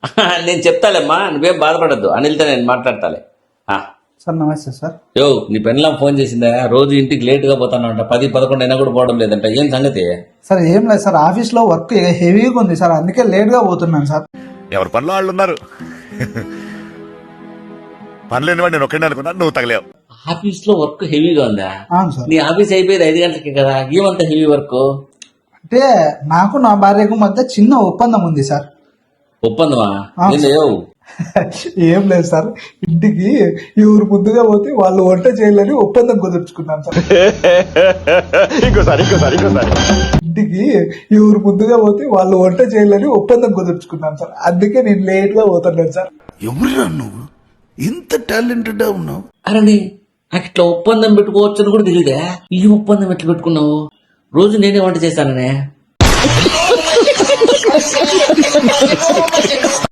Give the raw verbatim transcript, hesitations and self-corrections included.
నేను చెప్తాలేమ్మా, నువ్వేం బాధపడద్దు. అనిల్తో నేను మాట్లాడతాలే. సార్ నమస్తే సార్. యో, నీ పెన్లాం ఫోన్ చేసిందా? రోజు ఇంటికి లేట్ గా పోతానంట, పది పదకొండు అయినా కూడా పోవడం లేదంట. ఏం సంగతి? సార్ ఏం లేదు సార్, ఆఫీస్ లో వర్క్ హెవీగా ఉంది సార్, అందుకే లేట్ గా పోతున్నాను సార్. ఎవరి పనులు వాళ్ళు ఉన్నారు. పనులేని వాడు నేను ఒక్కడే అనుకున్నాను, నువ్వు తగలేవు. ఆఫీస్ లో వర్క్ హెవీగా ఉందా? అవును సార్. నీ ఆఫీస్ అయిపోయేది ఐదు గంటలకి కదా, ఏమంత హెవీ వర్క్? అంటే నాకు నా భార్యకు మధ్య చిన్న ఒప్పందం ఉంది సార్. ఒప్పందమా? అవును సార్. ఏం లేదు సార్, ఇంటికి ఎవరు ముందుగా పోతే వాళ్ళు వంట చేయాలని ఒప్పందం కుదుర్చుకున్నాను సార్. ఇంకోసారి ఇంకోసారి ఇంకోసారి ఇంటికి ఎవరు ముందుగా పోతే వాళ్ళు వంట చేయాలని ఒప్పందం కుదుర్చుకున్నాను సార్, అందుకే నేను లేట్ గా పోతున్నాను సార్. ఎవరురా నువ్వు ఇంత టాలెంటెడ్ ఉన్నావు? అరే నాకు ఇట్లా ఒప్పందం పెట్టుకోవచ్చు అని కూడా తెలియదా? ఈ ఒప్పందం ఎట్లా పెట్టుకున్నావు? రోజు నేనే వంట చేశాననే.